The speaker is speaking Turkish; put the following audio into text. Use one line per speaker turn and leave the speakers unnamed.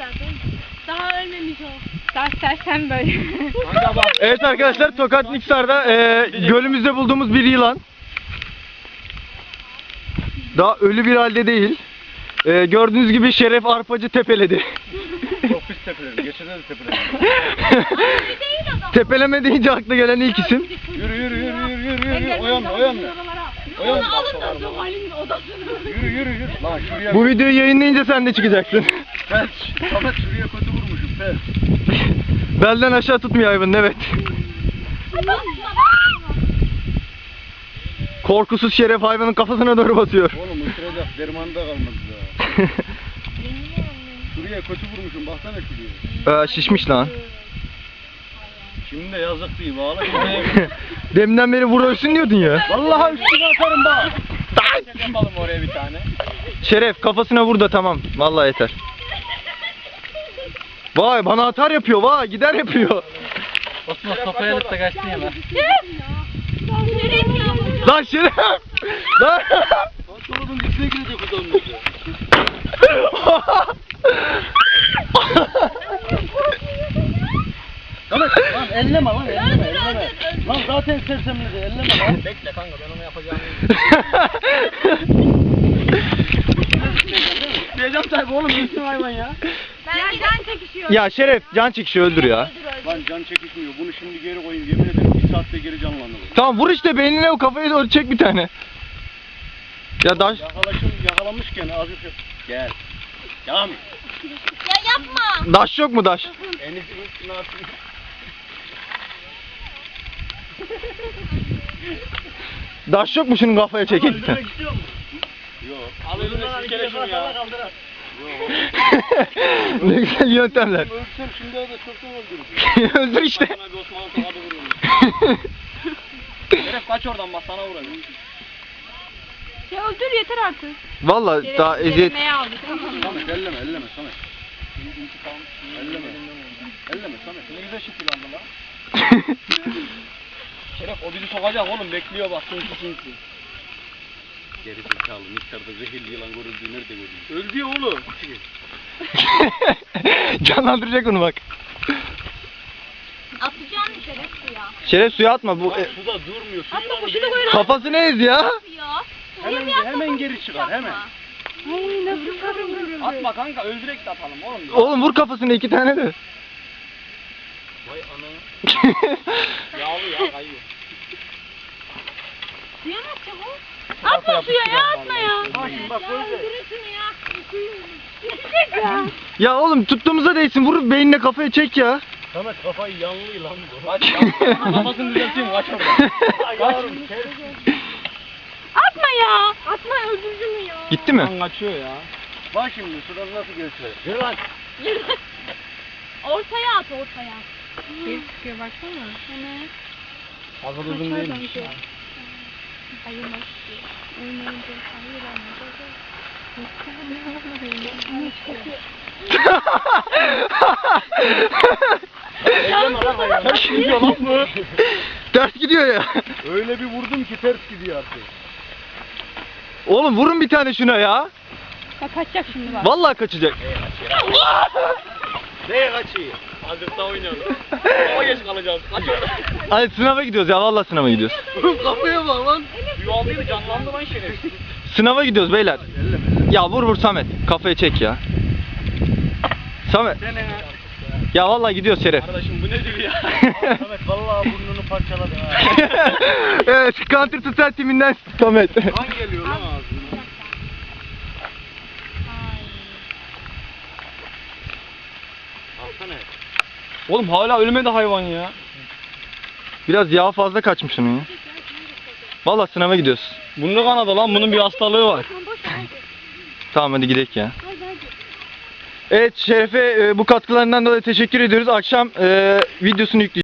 zaten. Daha ölmemiş o. Daha sersen böyle.
Evet arkadaşlar, Tokat Niksar'da gölümüzde bulduğumuz bir yılan. Daha ölü bir halde değil. Gördüğünüz gibi Şeref Arpacı tepeledi.
Çok pis tepeledim. Geçen de tepeledim.
Tepeleme deyince akla gelen ilk isim.
Yürü yürü yürü yürü yürü yürü. O yanına o yanına. O yanına.
Onu alın da Zuhal'in odasına.
Yürü yürü yürü. Lan şuraya.
Bu videoyu yayınlayınca sen de çıkacaksın.
Felç. Samet şuraya kötü vurmuşum felç.
Belden aşağı tutmuyor hayvan, evet. Korkusuz Şeref hayvanın kafasına doğru basıyor.
Oğlum ısıracak dermanı da kalmadı daha. Şuraya kötü vurmuşum. Baksana şuraya.
Şişmiş lan.
Şimdi de yazık değil. Bağla.
Deminden beri vur ölsün diyordun ya.
Vallahi üstüne atarım bak. Yapalım oraya bir tane.
Şeref kafasına vur da tamam. Vallahi yeter. Vay bana atar yapıyor, vay gider yapıyor.
Osman kafaya alıp da kaçtın ya lan.
Lan Şeref! Lan!
Dolabın içine girecek o zaman. Samet lan elleme lan elleme. Lan zaten sersemledi elleme lan. Bekle kanka ben onu yapacağım. Diyeceğim sahibi oğlum üstün hayvan ya.
Ben can çekişiyor.
Ya Şeref can çekişi öldür ya.
Lan can çekişmiyor. Bunu şimdi geri koyayım. Yemin ederim bir saatte geri canlanır.
Tamam vur işte beynine, o kafaya doğru çek bir tane. Ya daş.
Yakalamışken azıcık gel. Devam et.
Ya yapma.
Daş yok mu daş?
Enes'in üstüne atayım.
Daş yok mu şunun kafaya çekek bir tane?
Yok. Alırım da sikele şunu ya.
Ne güzel yöntemler.
Ölsem şimdi de çoktan öldürürüm.
Öldür işte.
Sana bir Osmanlı tokadı vururum. Şeref kaç oradan bak sana vurayım.
Ya öldür yeter artık.
Vallahi daha eziyet.
aldık tamam.
Samet elleme Samet. Elleme. Elleme Samet. Ne güzel şekil aldın lan. Şeref o bizi sokacak oğlum bekliyor bak sinsi. Geri zekalı miktarda zehirli yılan görüldüğü nerede görüldü? Öldü ya oğlum.
Canlandıracak onu bak.
Atacağım mı Şeref suya?
Şeref suya atma bu.
Suda durmuyor. Su
Atma
yılanı
kuşu da
değil.
koyun.
Kafasını ez ya.
Hemen geri çıkar hemen.
Ay nasıl sarılır.
Atma kanka öldürek de atalım oğlum.
Oğlum vur kafasına 2 tane de.
Vay ana. Yağlı ya kayıyor.
Suya mı atacağım o? Atma suya ya atma ya.
Bak şimdi bak böyle.
Öldürürsün ya. Gidecek ya.
Ya oğlum tuttuğumuza değsin, vur beynine kafaya çek ya.
Samet kafayı yanlı lan bu. Kaç ya. Kafasını düzelteyim kaç oradan. Kaç.
Atma ya. Atma öldürücü mü ya?
Gitti mi?
Lan kaçıyor ya. Bak şimdi sudan nasıl geçiyor. Yürü lan.
Ortaya at ortaya. Bir çıkıyor baksana. Hemen.
Fazla uzun değilmiş ya.
Hayırmış.
Ters gidiyor lan bu.
Ters gidiyor ya.
Öyle bir vurdum ki ters gidiyor artık.
Oğlum vurun bir tane şuna ya.
Kaçacak şimdi bak.
Vallahi kaçacak.
Neye kaçıyor? Hazırda oynayalım. Ama geç kalacağız. Kaç oradan.
Hadi sınava gidiyoruz ya, vallahi sınava gidiyoruz.
Kafaya bak lan. Yuvalıydı canlandı lan şerefsiz.
Sınava gidiyoruz beyler. Ya vur Samet. Kafaya çek ya. Samet. Ya vallahi gidiyoruz Şeref.
Kardeşim bu nedir ya? Samet vallahi burnunu parçaladı ha.
Evet, Counter Strike timinden Samet.
Kan geliyor lan ağzına. Alsana.
Oğlum hala ölmedi hayvan ya. Biraz yağ fazla kaçmış onun ya. Vallahi sınava gidiyoruz.
Burnu kanadı lan bunun bir hastalığı var.
Tamam hadi gidelim ya. Evet Şeref'e bu katkılarından dolayı teşekkür ediyoruz. Akşam videosunu yükleyeceğiz.